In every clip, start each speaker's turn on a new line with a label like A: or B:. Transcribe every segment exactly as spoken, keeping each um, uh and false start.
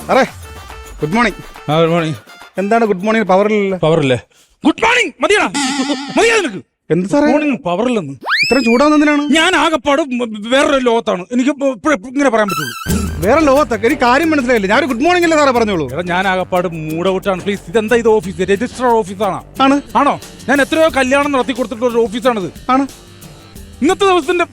A: Array good morning.
B: Good morning.
A: എന്താണ് good morning പവറില്ല?
B: പവറില്ലേ? ഗുഡ് മോർണിംഗ് മതിയാ മതിയാ നിനക്ക്.
A: എന്ത് സാറേ
B: മോർണിംഗ് പവറില്ലെന്ന്?
A: ഇത്രയും ചൂടാവുന്നതിനാണ്?
B: ഞാൻ ആകെപ്പാട് വേറൊരു ലോകത്താണ്. എനിക്ക് ഇങ്ങനെ പറയാൻ പറ്റുള്ളൂ.
A: വേറെ ലോകത്തൊക്കെ എനിക്ക് കാര്യം മനസ്സിലായില്ല. ഞാൻ ഗുഡ് മോർണിംഗ് അല്ലേ സാറേ പറഞ്ഞോളൂ.
B: എടാ ഞാൻ ആകെപ്പാട് മൂഡ് ഔട്ടാണ്. പ്ലീസ്, ഇതെന്താ ഇത് ഓഫീസ്? രജിസ്റ്റർ ഓഫീസാണോ?
A: ആണ്.
B: ആണോ? ഞാൻ എത്രയോ കല്യാണം നടത്തി കൊടുത്തിട്ടുള്ള ഒരു ഓഫീസാണിത്.
A: ആണ്.
B: ഇന്നത്തെ ദിവസത്തിന്റെ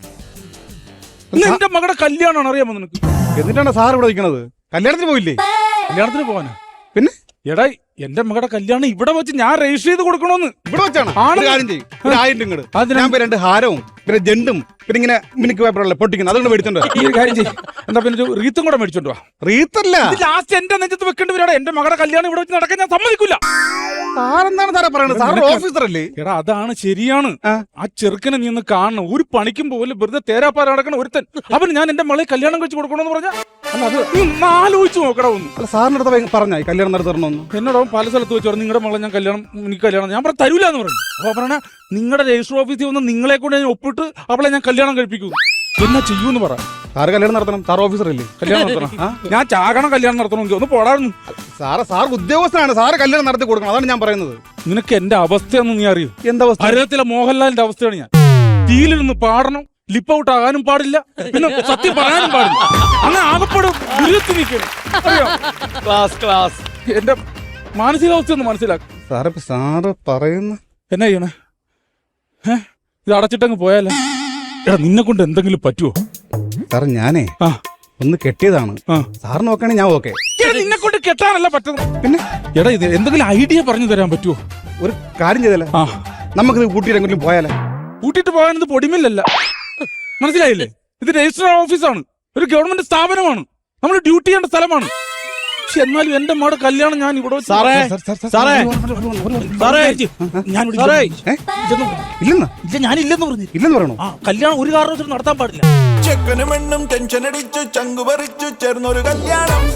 B: എന്റെ മകളുടെ കല്യാണമാണ്, അറിയാമോ നിനക്ക്?
A: എന്നിട്ടാണ് സാർ ഇവിടെ നിൽക്കണത്? കല്യാണത്തിന് പോയില്ലേ?
B: കല്യാണത്തിന് പോവാനാ?
A: പിന്നെ
B: എടാ എന്റെ മകളുടെ കല്യാണം ഇവിടെ വെച്ച് ഞാൻ രജിസ്റ്റർ ചെയ്ത് കൊടുക്കണോന്ന്.
A: ഇവിടെ വെച്ചാണ്? കാര്യം ചെയ്യും, ഒരു ആയിരം ഇങ്ങോട്ട്. ഞാൻ രണ്ട് ഹാരവും പിന്നെ ജെണ്ടും പിന്നെ ഇങ്ങനെ മിനിക്ക് പേപ്പറല്ലേ പൊട്ടിക്കുന്നത്, അതുകൊണ്ട് മേടിച്ചോണ്ട്
B: ഈ കാര്യം ചെയ്യും. എന്താ പിന്നെ ഒരു റീത്തും കൂടെ മേടിച്ചോണ്ട് വാ.
A: റീത്തല്ല,
B: ലാസ്റ്റ് എന്റെ നെഞ്ചത്ത് വെക്കേണ്ടി വരാടാ. എന്റെ മകളുടെ കല്യാണം ഇവിടെ വെച്ച് നടക്കാൻ ഞാൻ സമ്മതിക്കില്ല.
A: സാറെന്താണ് സാറേ പറയുന്നത്? സാർ ഓഫീസർ അല്ലേ?
B: എടാ അതാണ് ശരിയാണ്. ആ ചെറുക്കനെ നീ ഒന്ന് കാണണം. ഒരു പണിക്കും പോലും വെറുതെ തേരാപ്പാറ നടക്കണം ഒരുത്തൻ. അവന് ഞാൻ എന്റെ മകളെ കല്യാണം കഴിച്ച് കൊടുക്കണമെന്ന് പറഞ്ഞാ അത് നീ ആലോചിച്ച് നോക്കടാ ഒന്ന്.
A: അല്ല സാറിനടുത്ത് പറഞ്ഞ കല്യാണം നടത്തി തരണമെന്ന്
B: എന്നോട് പല സ്ഥലത്ത് വെച്ച് പറഞ്ഞു നിങ്ങളുടെ മകളെ ഞാൻ കല്യാണം എനിക്ക് കല്യാണം ഞാൻ പറഞ്ഞ തരൂല എന്ന് പറഞ്ഞു. അപ്പൊ പറഞ്ഞ നിങ്ങളുടെ രജിസ്റ്റർ ഓഫീസിൽ വന്ന് നിങ്ങളെ കൊണ്ട് ഞാൻ ഒപ്പിട്ട് അവളെ ഞാൻ കല്യാണം കഴിപ്പിക്കൂ. എന്നാ ചെയ്യൂന്ന് പറ.
A: സാറ് കല്യാണം നടത്തണം, സാർ ഓഫീസർ അല്ലേ?
B: കല്യാണം നടത്തണം. ഞാൻ ചാകണം കല്യാണം നടത്തണമെങ്കിൽ ഒന്ന് പോടായിരുന്നു.
A: സാറ് സാർ ഉദ്യോഗസ്ഥനാണ്, സാറ് കല്യാണം നടത്തി കൊടുക്കണം, അതാണ് ഞാൻ പറയുന്നത്.
B: നിനക്ക് എന്റെ അവസ്ഥയൊന്നും നീ അറിയൂ.
A: എന്താ അവസ്ഥ?
B: ഭാരതത്തിലെ മോഹൻലാലിന്റെ അവസ്ഥയാണ് ഞാൻ. ടീലിരുന്ന് പാടണം, ലിപ്പ് ഔട്ട് ആകാനും പാടില്ല, പിന്നെ സത്യം പറയാനും പാടില്ല. അങ്ങനെ ആകപ്പെടും ദുരിതത്തിൽ നിൽക്കണം.
A: ക്ലാസ് ക്ലാസ്
B: എന്റെ മാനസികാവസ്ഥ ഒന്ന് മനസ്സിലാക്കും.
A: സാറ് സാറ് പറയുന്ന
B: എന്നാ ചെയ്യണേ? ഏ ഇത് അടച്ചിട്ടങ്ങ് പോയാലേ? എടാ നിന്നെ കൊണ്ട് എന്തെങ്കിലും പറ്റുമോ?
A: സാറ് ഞാനേ
B: ആ
A: ഒന്ന് കെട്ടിയതാണ്.
B: ആ
A: സാറ് നോക്കുകയാണെങ്കിൽ ഞാൻ ഓക്കെ.
B: നിന്നെ കൊണ്ട് കെട്ടാനല്ല പറ്റുന്നത്.
A: പിന്നെ
B: എടാ ഇത് എന്തെങ്കിലും ഐഡിയ പറഞ്ഞു തരാൻ പറ്റുമോ?
A: ഒരു കാര്യം ചെയ്തല്ലേ,
B: ആ
A: നമുക്കിത് കൂട്ടിയിട്ട് എങ്ങോട്ടും പോയാലേ?
B: കൂട്ടിയിട്ട് പോകാനത് പൊടിമില്ലല്ല, മനസ്സിലായില്ലേ? ഇത് രജിസ്റ്റർ ഓഫീസാണ്, ഒരു ഗവൺമെന്റ് സ്ഥാപനമാണ്, നമ്മൾ ഡ്യൂട്ടി ചെയ്യേണ്ട സ്ഥലമാണ്. പക്ഷെ എന്നാലും എന്റെ മോടെ കല്യാണം ഞാൻ ഇവിടെ
A: ഇല്ലെന്ന്
B: ഇല്ല ഞാനില്ലെന്ന് പറഞ്ഞു.
A: ഇല്ലെന്ന് പറയണോ?
B: ആ കല്യാണം ഒരു കാരണവശാലും നടത്താൻ പാടില്ല.
C: ചെക്കനും പെണ്ണും ടെൻഷൻ അടിച്ചു ചങ്കു പറിച്ചു ചേർന്നൊരു കല്യാണം.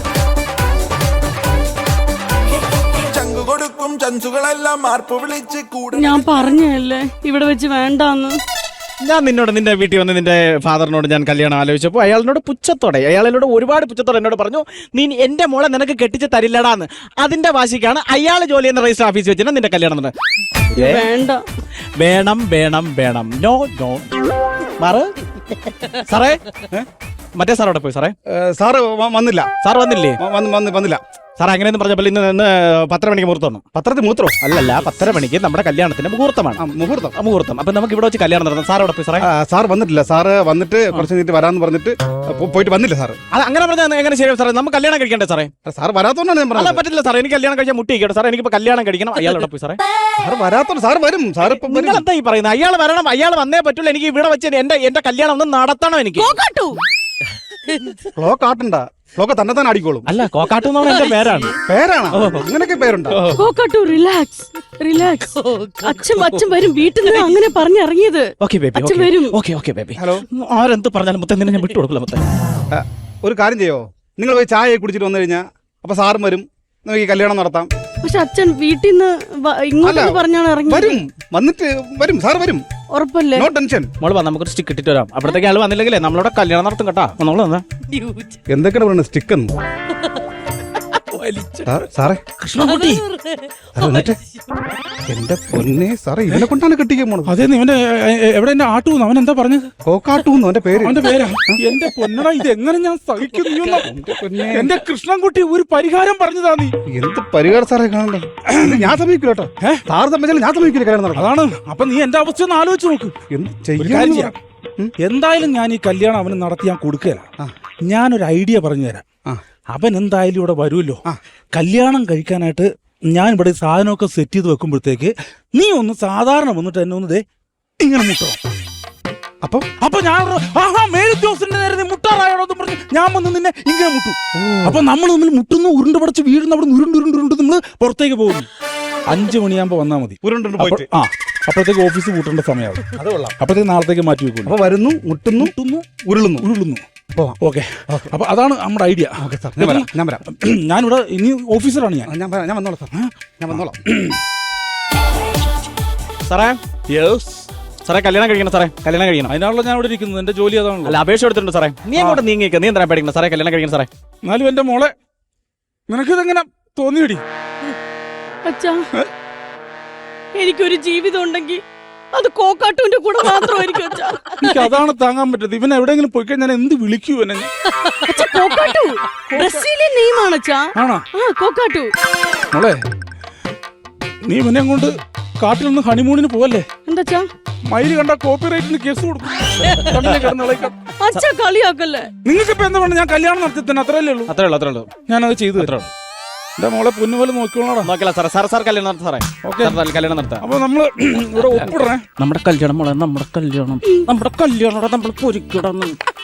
C: ചങ്കു കൊടുക്കും ചൻസുകളെല്ലാം മാർപ്പ് വിളിച്ച് കൂടെ.
D: ഞാൻ പറഞ്ഞല്ലേ ഇവിടെ വെച്ച് വേണ്ടാന്ന്.
E: ഞാൻ നിന്നോട് നിന്റെ വീട്ടിൽ വന്ന് നിന്റെ ഫാദറിനോട് ഞാൻ കല്യാണം ആലോചിച്ചപ്പോൾ അയാളിനോട് പുച്ഛത്തോടെ അയാളോട് ഒരുപാട് പുച്ഛത്തോടെ എന്നോട് പറഞ്ഞു, നീ എന്റെ മോളെ നിനക്ക് കെട്ടിച്ച് തരില്ലടാന്ന്. അതിന്റെ വാശിക്കാണ് അയാൾ ജോലി ചെയ്യുന്ന രജിസ്റ്റർ ഓഫീസിൽ വെച്ചിട്ട് നിന്റെ കല്യാണം നടന്നത്.
D: വേണ്ട,
E: വേണം വേണം വേണം, നോ നോ. മാറ് സാറേ. മറ്റേ സാറോടെ പോയി സാറേ.
A: സാറ് വന്നില്ല.
E: സാർ വന്നില്ലേ?
A: വന്നില്ല
E: സാർ അങ്ങനെയൊന്നും പറഞ്ഞപ്പോൾ ഇന്ന് ഇന്ന് പത്തര മണിക്ക് മുഹൂർത്തം.
A: പത്രത്തിൽ മൂത്രോ?
E: അല്ലല്ല, പത്തര മണിക്ക് നമ്മുടെ കല്യാണത്തിന്റെ മുഹൂർത്തമാണ്.
A: മുഹൂർത്തം
E: മുഹൂർത്തം. അപ്പൊ നമുക്ക് ഇവിടെ വെച്ച് കല്യാണം നടത്താം. സാറോടെ പോയി സാറേ.
A: സാർ വന്നിട്ടില്ല. സാറ് വന്നിട്ട് കുറച്ച് കഴിഞ്ഞിട്ട് വരാന്ന് പറഞ്ഞിട്ട് പോയിട്ട് വന്നില്ല സാറ്.
E: അത് അങ്ങനെ പറഞ്ഞാൽ എങ്ങനെ ശരിയാവും സാറേ? നമുക്ക് കല്യാണം കഴിക്കണ്ടേ സാറേ?
A: സാർ വരാത്തോണ്ടാണ് ഞാൻ പറഞ്ഞത്.
E: പറ്റില്ല സാറേ, എനിക്ക് കല്യാണം കഴിച്ചാൽ മുട്ടിക്കട്ടെ സാറേ. എനിക്ക് കല്യാണം കഴിക്കണം. അയാളോടെ പോയി സാറേ.
A: സാർ വരാത്തോണ്ട് സാർ വരും. സാർ
E: നിങ്ങൾ എന്താ ഈ പറയുന്നത്? അയാൾ വരണം, അയാൾ വന്നേ പറ്റുള്ളൂ. എനിക്ക് ഇവിടെ വെച്ച് എന്റെ എന്റെ കല്യാണം ഒന്ന് നടത്തണം. എനിക്ക്
A: ക്ലോക്ക് ആട്ടണ്ട, ക്ലോക്ക് തന്നെ തന്നെ അടിക്കോളും.
E: അല്ല, കോക്കാട്ടു എന്നുള്ള എന്റെ പേരാണ്.
A: പേരാണ്? അങ്ങനെയൊക്കെ പേരുണ്ടോ?
D: കോക്കാട്ടു റിലാക്സ് റിലാക്സ്. അച്ഛൻ അച്ഛൻ വരും വീട്ടിൽ നിന്ന്, അങ്ങനെ പറഞ്ഞിറങ്ങിയത്.
E: ഓക്കെ ബേബി,
D: അച്ഛൻ വരും.
E: Okay okay baby.
A: ഹലോ.
E: ആരെന്ത് പറഞ്ഞാലും മുത്തേ നിന്നെ ഞാൻ വിട്ടു കൊടുക്കില്ല മുത്തേ.
A: ഒരു കാര്യം ചെയ്യോ, നിങ്ങൾ പോയി ചായ കുടിച്ചിട്ട് വന്നു കഴിഞ്ഞാൽ അപ്പൊ സാറും വരും, നമുക്ക് ഈ കല്യാണം നടത്താം.
D: പക്ഷെ അച്ഛൻ വീട്ടിൽ നിന്ന് ഇങ്ങോട്ട് പറഞ്ഞാണ് ഇറങ്ങി.
A: വരും, വന്നിട്ട് വരും, സാർ വരും,
D: ഉറപ്പല്ലേ?
A: No tension.
E: മോള് വന്ന് നമുക്കൊരു സ്റ്റിക്ക് ഇട്ടിട്ട് വരാം. അപ്പോഴത്തേക്ക് ആള് വന്നില്ലെങ്കിലേ നമ്മളോട് കല്യാണം നടത്തും കേട്ടോ. നമ്മള് വന്നാ
A: എന്തൊക്കെയാണ് പറയുന്നത്? സ്റ്റിക്ക് എന്ന് സാറേ.
B: കൃഷ്ണൻകുട്ടി
A: എന്റെ പൊന്നെ സാറേ, ഇവനെ കൊണ്ടാണ് കെട്ടിക്കാൻ പോണത്.
B: അതെ, ഇവന്റെ എവിടെ എന്റെ ആട്ടൂന്ന് അവൻ എന്താ പറഞ്ഞത്?
A: കോക്കാട്ടൂന്ന് അവന്റെ പേര്.
B: അവന്റെ പേരാ? എന്റെ പൊന്നടാ, ഇത് എങ്ങനെ ഞാൻ സഹിക്കുന്നു? എന്റെ കൃഷ്ണൻകുട്ടി ഒരു പരിഹാരം പറഞ്ഞതാ. നീ
A: എന്ത് പരിഹാരം സാറേ കാണണ്ടേ? ഞാൻ സമ്മതിക്കില്ല കേട്ടോ. സാറ് സമ്മതിച്ചാലും ഞാൻ സമ്മതിക്കില്ല കല്യാണം നടക്കാം.
B: അതാണ്. അപ്പൊ നീ എന്റെ അവസ്ഥ ഒന്ന് ആലോചിച്ച് നോക്ക്.
A: എന്ത്
B: ചെയ്യാൻ
A: ചെയ്യാം?
B: എന്തായാലും ഞാൻ ഈ കല്യാണം അവന് നടത്തി ഞാൻ കൊടുക്കുകയല്ല. ഞാനൊരു ഐഡിയ പറഞ്ഞു തരാം. അവൻ എന്തായാലും ഇവിടെ വരുമല്ലോ. കല്യാണം കഴിക്കാനായിട്ട് ഞാൻ ഇവിടെ സാധനമൊക്കെ സെറ്റ് ചെയ്ത് വെക്കുമ്പോഴത്തേക്ക് നീ ഒന്ന് സാധാരണ വന്നിട്ട് എന്നെ ഒന്ന് ദേ ഇങ്ങനെ മുട്ടോ. അപ്പൊ അപ്പൊ ഞാൻ ആഹാ മേലുദ്യോഗസ്ഥന്റെ നേരെ നീ മുട്ടാറായോന്ന് പറഞ്ഞു ഞാൻ വന്ന് നിന്നെ ഇങ്ങനെ മുട്ടു. അപ്പൊ നമ്മൾ തമ്മിൽ മുട്ടുന്നു, ഉരുണ്ട് പടച്ച് വീഴുന്നു, അവിടെ ഉരുണ്ട് ഉരുണ്ട് ഉരുണ്ട് നമ്മള് പുറത്തേക്ക് പോകുന്നു. അഞ്ചു മണിയാകുമ്പോ വന്നാ മതി.
A: പോയിട്ട്
B: ആ അപ്പോഴത്തേക്ക് ഓഫീസ് കൂട്ടേണ്ട സമയമാവും. അപ്പോഴത്തേക്ക് നാളത്തേക്ക് മാറ്റി വെക്കുന്നു.
A: അപ്പൊ വരുന്നു, മുട്ടുന്നു, മുട്ടുന്നു, ഉരുളുന്നു
B: ഉരുളുന്നു ഓക്കെ. അപ്പൊ അതാണ് നമ്മുടെ ഐഡിയ. ഞാനിവിടെ ഇനി ഓഫീസറാണ് ഞാൻ.
A: ഞാൻ വന്നോളാം സാർ, ഞാൻ വന്നോളാം
E: സാറേ. സാറേ കല്യാണം കഴിക്കണം സാറേ, കല്യാണം കഴിക്കണം.
B: അതിനാണല്ലോ ഞാൻ ഇവിടെ ഇരിക്കുന്നത്. എന്റെ ജോലി അതാണല്ലോ.
E: അല്ല, അപേക്ഷ എടുത്തിട്ടുണ്ട് സാറേ. നീ അങ്ങോട്ട് നീങ്ങിയേക്ക്. നീ എന്താ പേടിക്കണം സാറേ? കല്യാണം കഴിക്കണം സാറേ.
B: എന്നാലും എന്റെ മോളെ നിനക്കിതെങ്ങനെ തോന്നിയടി?
D: അച്ഛാ, എനിക്കൊരു ജീവിതം ഉണ്ടെങ്കിൽ അത് കോക്കാട്ടുവിന്റെ കൂടെ മാത്രമായിരിക്കും അച്ഛാ.
B: എനിക്ക് അതാണ് താങ്ങാൻ പറ്റത്. ഇവൻ എവിടെയെങ്കിലും പോയി കഴിഞ്ഞാൽ എന്ത് വിളിക്കൂ എന്നെ?
D: അച്ഛാ, കോക്കാട്ടു ബ്രസീലിയൻ നെയ്മാണ് അച്ഛാ.
B: ആണോ?
D: ആ, കോക്കാട്ടു.
B: മോളെ, നീ ഇവനെ കൊണ്ട് കാട്ടിൽ നിന്ന് ഹണിമൂണിന് പോവല്ലേ?
D: എന്താ
B: മയില് കണ്ട കോപ്പിറൈറ്റിന് കേസ് കൊടുക്കും.
D: അച്ഛാ, കളിയാക്കല്ലേ.
B: നിങ്ങൾക്ക് ഇപ്പൊ എന്താ വേണം? ഞാൻ കല്യാണം നടത്തി തന്നെ, അത്രയല്ലേ ഉള്ളൂ.
E: അത്രേ ഉള്ളൂ അത്രേ ഉള്ളൂ
B: ഞാനത് ചെയ്തു തരാം. എന്റെ മോളെ പൊന്നുപോലെ നോക്കിക്കോളാം.
E: നോക്കില്ല സാറേ. സാർ സാർ കല്യാണം നടത്താം സാറേ.
B: ഓക്കെ,
E: കല്യാണം നടത്താം.
B: അപ്പൊ നമ്മള് ഇവിടെ ഒപ്പിടണേ.
E: നമ്മുടെ കല്യാണം മോളെ, നമ്മുടെ കല്യാണം നമ്മുടെ കല്യാണം നമ്മൾ പൊരിക്കിടന്ന്.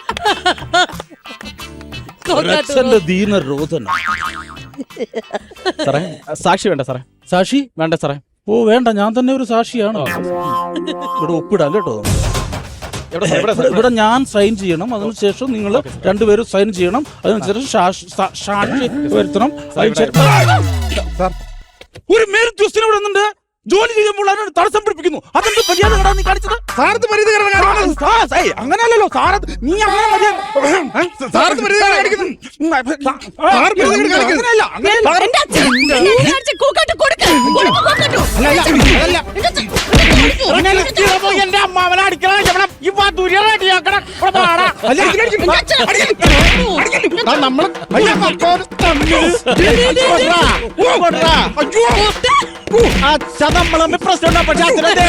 B: അച്ഛന്റെ ദീനരോധന.
E: സാറേ, സാക്ഷി വേണ്ട സാറേ.
B: സാക്ഷി
E: വേണ്ട സാറേ.
B: ഓ വേണ്ട, ഞാൻ തന്നെ ഒരു സാക്ഷിയാണ്. ഇവിടെ ഒപ്പിടാം കേട്ടോ. ഇവിടെ ഞാൻ സൈൻ ചെയ്യണം, അതിനുശേഷം നിങ്ങൾ രണ്ടുപേരും സൈൻ ചെയ്യണം, അതിനുശേഷം സാക്ഷി വരുത്തണം. ഒരു മേലുദ്യോഗസ്ഥൻ ഇവിടെ നിന്നുണ്ട്, ജോലി ചെയ്യുമ്പോൾ അതിനോട് തടസ്സം പിടിപ്പിക്കുന്നു. അതെന്ത് മര്യാദ നീ കാണിച്ചത്?
A: സാറത്ത് മര്യാദ
B: അങ്ങനെയല്ലോ സാറ്, നീ അങ്ങനെ മര്യാദ
A: സാറത്ത് മര്യാദ കാണിക്കുന്നു.
B: അങ്ങനെയല്ല.
D: എന്റെ അച്ഛൻ, എന്റെ അച്ഛൻ കോക്കാട്ടു കൊടുക്ക്. കൊടുക്ക് കോക്കാട്ടു.
E: എന്റെ അമ്മാവനെ അടിക്കണം. ഇപ്പൊ ദുരിയാക്കണം. നമ്മള് നമ്മളെ പ്രശ്നം. പക്ഷെ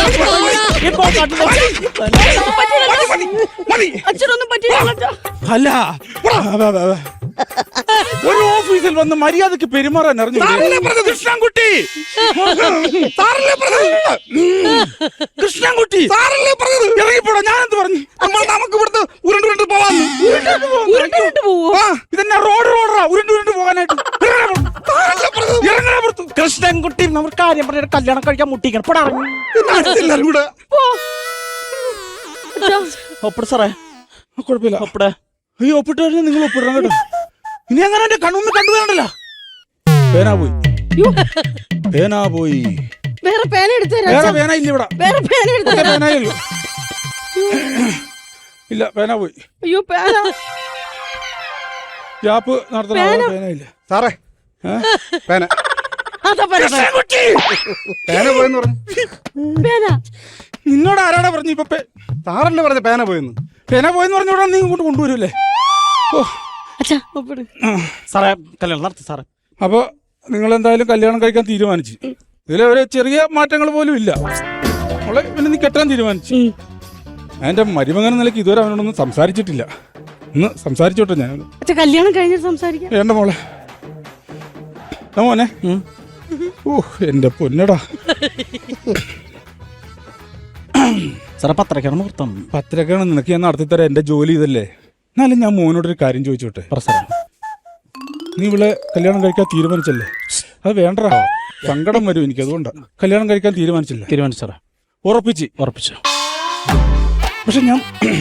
D: അച്ഛനൊന്നും പറ്റില്ല.
B: അല്ല, ഒരു ഓഫീസിൽ വന്ന് മര്യാദക്ക് പെരുമാറാൻ അറിഞ്ഞു. കൃഷ്ണൻകുട്ടി, കൃഷ്ണൻകുട്ടി ഇറങ്ങിപ്പോടാ. ഞാനെന്ത് പറഞ്ഞു?
A: നമുക്ക് ഇവിടുത്തെ ഉരുണ്ട് ഉരുണ്ട് പോവാന്ന്.
B: ഇതെന്നാ റോഡ് റോഡറാ ഉരുണ്ട് ഉരുണ്ട് പോകാനായിട്ട്?
E: കൃഷ്ണൻകുട്ടി നമ്മൾ കാര്യം പറഞ്ഞ കല്യാണം കഴിക്കാൻ മുട്ടിക്കണം.
A: എല്ലാരും കൂടെ
E: ഒപ്പിട് സാറേ.
B: കുഴപ്പമില്ല,
E: ഒപ്പിടെ.
B: ഈ ഒപ്പിട്ട് കഴിഞ്ഞാൽ നിങ്ങൾ ഒപ്പിടണം കേട്ടോ. ഇനി അങ്ങനെ എന്റെ കണ്ണൊന്നും കണ്ടു വേണ്ടല്ലോ. പേന പോയി, പേന പോയി.
D: വേറെ പേന എടുത്ത്
B: വേറെ പേന ഇല്ല ഇവിടെ.
D: വേറെ പേന എടുത്ത്
B: പേനയുള്ളൂ. ഇല്ല, പേന പോയി.
D: അയ്യോ, പേന
B: ജാപ്പ് നടത്തണ പേന ഇല്ല
A: സാറേ. പേന
D: അതാ പറഞ്ഞത്.
A: പേന പോയെന്ന് പറഞ്ഞു.
D: പേന
B: നിന്നോട് ആരാടാ പറഞ്ഞു? ഇപ്പൊ
A: സാറല്ലേ പറഞ്ഞ പേന പോയെന്ന്.
B: പേന പോയെന്ന് പറഞ്ഞോടാ നീ ഇങ്ങോട്ട് കൊണ്ടുവരൂല്ലേ? ഓ
D: അച്ഛാ, ഒപ്പിട്.
E: സാറേ, കല്യാണം നടത്തി സാറേ.
B: അപ്പൊ നിങ്ങൾ എന്തായാലും കല്യാണം കഴിക്കാൻ തീരുമാനിച്ചു. ഇതിലെ ഒരു ചെറിയ മാറ്റങ്ങൾ പോലും ഇല്ല. അവളെ പിന്നെ നീ കെട്ടാൻ തീരുമാനിച്ചു. എന്റെ മരുമകൻ നിലയ്ക്ക് ഇതുവരെ അവനോടൊന്നും സംസാരിച്ചിട്ടില്ല. ഒന്ന് സംസാരിച്ചോട്ടെ ഞാൻ.
D: അച്ഛാ, കല്യാണം കഴിഞ്ഞിട്ട് സംസാരിക്കാം.
B: വേണ്ട മോളെ. മോനെ, ഓ എന്റെ പൊന്നടാ.
E: സാറേ, പത്രക്കാണ് മുഹൂർത്തം.
B: പത്രക്കാണ് നിനക്ക് ഞാൻ നടത്തിത്തരാം. എന്റെ ജോലി ഇതല്ലേ. എന്നാലും ഞാൻ മോനോടൊരു കാര്യം ചോദിച്ചോട്ടെ? നീ ഇവിടെ കല്യാണം കഴിക്കാൻ തീരുമാനിച്ചല്ലേ? അത് വേണ്ടടാ, സങ്കടം വരും എനിക്ക്. അതുകൊണ്ടാ കല്യാണം കഴിക്കാൻ തീരുമാനിച്ചില്ല.
E: തീരുമാനിച്ചു സാറേ.
B: ഉറപ്പിച്ച്
E: ഉറപ്പിച്ചു.
B: പക്ഷെ ഞാൻ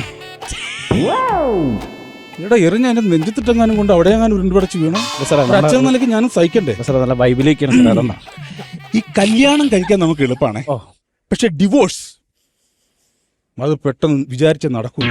B: ഇവിടെ എറിഞ്ഞ എന്റെ നെഞ്ചത്തിട്ടെങ്ങാനും കൊണ്ട് അവിടെ ഞാൻ ഉരുണ്ടുപടച്ച് വീണു. അച്ഛൻ നിലയ്ക്ക് ഞാനും സഹിക്കണ്ടേ?
E: നല്ല ബൈബിലേക്കാണ്.
B: ഈ കല്യാണം കഴിക്കാൻ നമുക്ക് എളുപ്പമാണ്, പക്ഷെ ഡിവോഴ്സ് അത് പെട്ടെന്ന് വിചാരിച്ച നടക്കൂല.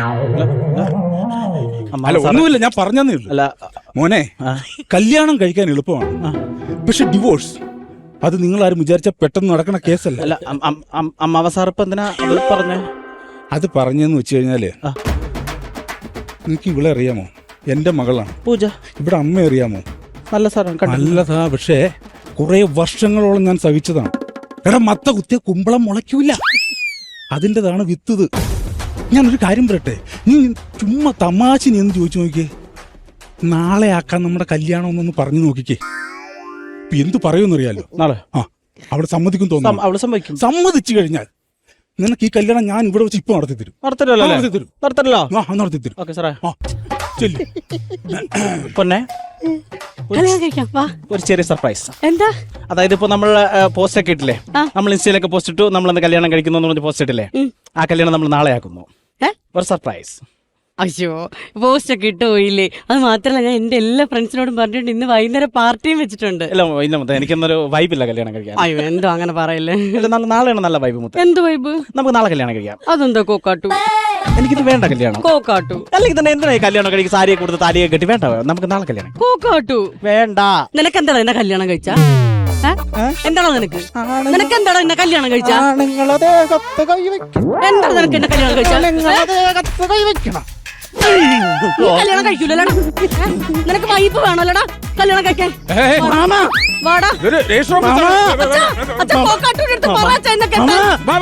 B: അല്ല, ഒന്നുമില്ല, ഞാൻ പറഞ്ഞതേ ഉള്ളൂ. മോനെ, കല്യാണം കഴിക്കാൻ എളുപ്പമാണ്, പക്ഷെ ഡിവോഴ്സ് അത് നിങ്ങൾ ആരും വിചാരിച്ച പെട്ടെന്ന് നടക്കണ കേസല്ല.
E: അമ്മാവ സാർ ഇപ്പൊ എന്തിനാ അത് പറഞ്ഞേ?
B: അത് പറഞ്ഞെന്ന് വെച്ച് കഴിഞ്ഞാല്, നിനക്ക് ഇവിടെ അറിയാമോ? എന്റെ മകളാണ്
E: പൂജ.
B: ഇവിടെ അമ്മ അറിയാമോ?
E: നല്ല സാറാണ്.
B: നല്ലതാ, പക്ഷേ കുറെ വർഷങ്ങളോളം ഞാൻ സഹിച്ചതാണ്. എടാ, മത്ത കുത്തിയ കുമ്പളം മുളയ്ക്കൂല, അതിൻ്റെതാണ് വിത്തത്. ഞാനൊരു കാര്യം പറയട്ടെ, നീ ചുമ്മാ തമാശനി എന്ന് ചോദിച്ചു നോക്കിയേ. നാളെ ആക്കാൻ നമ്മുടെ കല്യാണം എന്നൊന്ന് പറഞ്ഞു നോക്കിക്കേ. എന്തു പറയുമെന്നറിയാലോ?
E: നാളെ
B: ആ അവിടെ സമ്മതിക്കും തോന്നുന്നു.
E: അവള് സമ്മതിക്കും.
B: സമ്മതിച്ചു കഴിഞ്ഞാൽ നിനക്ക് ഈ കല്യാണം ഞാൻ ഇവിടെ വെച്ച് ഇപ്പൊ നടത്തി തരും.
E: നടത്തല്ലോ
B: നടത്തി തരും.
E: നടത്തല്ലോ
B: ആ നടത്തി തരും.
E: ഓക്കെ സാറേ.
B: ആ ചെല്ലു
E: പൊന്നെ,
D: കല്യാണം കഴിക്കാം, വാ.
E: ഒരു ചെറിയ സർപ്രൈസ്.
D: എന്താ?
E: അതായത് ഇപ്പൊ നമ്മൾ പോസ്റ്റ് ഒക്കെ ഇട്ടില്ലേ, നമ്മൾ ഇൻസ്റ്റയിലൊക്കെ പോസ്റ്റ് ഇട്ടു, നമ്മൾ കല്യാണം കഴിക്കുന്നു എന്ന് പറഞ്ഞ് പോസ്റ്റ് ഇട്ടില്ലേ, ആ കല്യാണം നമ്മൾ നാളെ ആക്കുന്നു. ഒരു സർപ്രൈസ്.
D: അയ്യോ, പോസ്റ്റ് ഒക്കെ ഇട്ട് പോയില്ലേ? അത് മാത്രല്ല, ഞാൻ എന്റെ എല്ലാ ഫ്രണ്ട്സിനോടും പറഞ്ഞിട്ടുണ്ട് ഇന്ന് വൈകുന്നേരം പാർട്ടിയും വെച്ചിട്ടുണ്ട്.
E: ഇല്ല ഇല്ല മുത്ത, എനിക്കൊന്നൊരു വൈബില്ല കല്യാണം കഴിക്കാൻ.
D: അയ്യോ, എന്തോ അങ്ങനെ പറയല്ലേ.
E: നാളെയാണ് നല്ല വൈബ് മുത്ത.
D: എന്ത് വൈബ്?
E: നമുക്ക് നാളെ കല്യാണം കഴിക്കാം.
D: അതെന്താ കോക്കാട്ടു?
E: എനിക്കിത് വേണ്ട കല്യാണം.
D: കോക്കാട്ടു
E: അല്ലെങ്കിൽ തന്നെ എന്തിനാ ഈ കല്യാണം കഴിക്കും? സാരിയെ കൊടുത്ത് താലിയെ കെട്ടി വേണ്ട, നമുക്ക് നാളെ കല്യാണം.
D: കോക്കാട്ടു
E: വേണ്ട.
D: നിനക്ക് എന്താണ് എന്നെ കല്യാണം കഴിച്ച? എന്താണോ നിനക്ക് നിനക്ക് എന്താണോ എന്നെ കല്യാണം കഴിച്ച?
E: ആണുങ്ങളതെ കത്ത് കൈവയ്ക്കണം.
D: എന്താണ് നിനക്ക് എന്നെ കല്യാണം കഴിച്ച?
E: ആണുങ്ങളതെ കത്ത് കൈവയ്ക്കണം.
D: കല്യാണം കഴിക്കൂലടാ. നിനക്ക് വൈഫ് വേണല്ലോടാ കല്യാണം കഴിക്കാൻ. വാടാ അച്ഛാ, കോക്കാട്ടൂടെ അടുത്ത് പറ അച്ഛാ എന്നെ കെട്ടാൻ.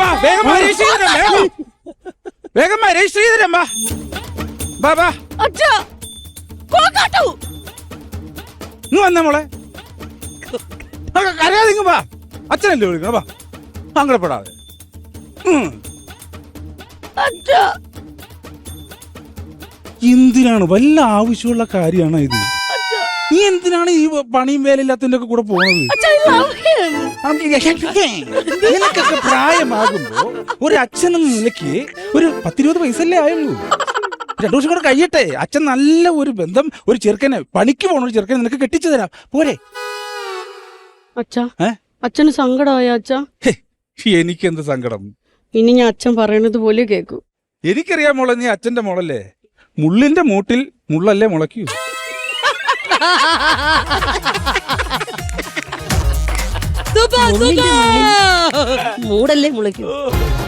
D: അച്ഛാ, കോക്കാട്ടു
B: വന്ന മോളെ അറിയാതിങ്ങ വാ, അച്ഛനല്ലേ വിളിക്കണം, വാ സങ്കടപ്പെടാതെ.
D: അച്ഛാ,
B: എന്തിനാണ് വല്ല ആവശ്യമുള്ള കാര്യമാണ് ഇത്? നീ എന്തിനാണ് ഈ പണിയും വേലയില്ലാത്തതിന്റെ ഒക്കെ കൂടെ പോണത്?
D: അച്ഛാ, I love him.
B: നിനക്കൊക്കെ പ്രായമാകുമ്പോ ഒരു അച്ഛനെന്ന നിലയ്ക്ക് ഒരു പത്തിരുപത് വയസ്സല്ലേ ആയുള്ളൂ. രണ്ടു വർഷം കൂടെ കഴിയട്ടെ, അച്ഛൻ നല്ല ഒരു ബന്ധം, ഒരു ചെറുക്കനെ പണിക്ക് പോണ ഒരു ചെറുക്കനെ നിനക്ക് കെട്ടിച്ചു തരാം, പോരെ?
D: അച്ഛാ, അച്ഛന് സങ്കടമായ അച്ഛാ?
B: എനിക്കെന്ത് സങ്കടം?
D: ഇനി ഞാൻ അച്ഛൻ പറയണത് പോലെ കേക്കൂ.
B: എനിക്കറിയാം മോളെ, നീ അച്ഛന്റെ മോളല്ലേ. മുള്ളിന്റെ മൂട്ടിൽ മുള്ളല്ലേ മുളയ്ക്കൂ.
D: മൂടല്ലേ മുളയ്ക്കൂ.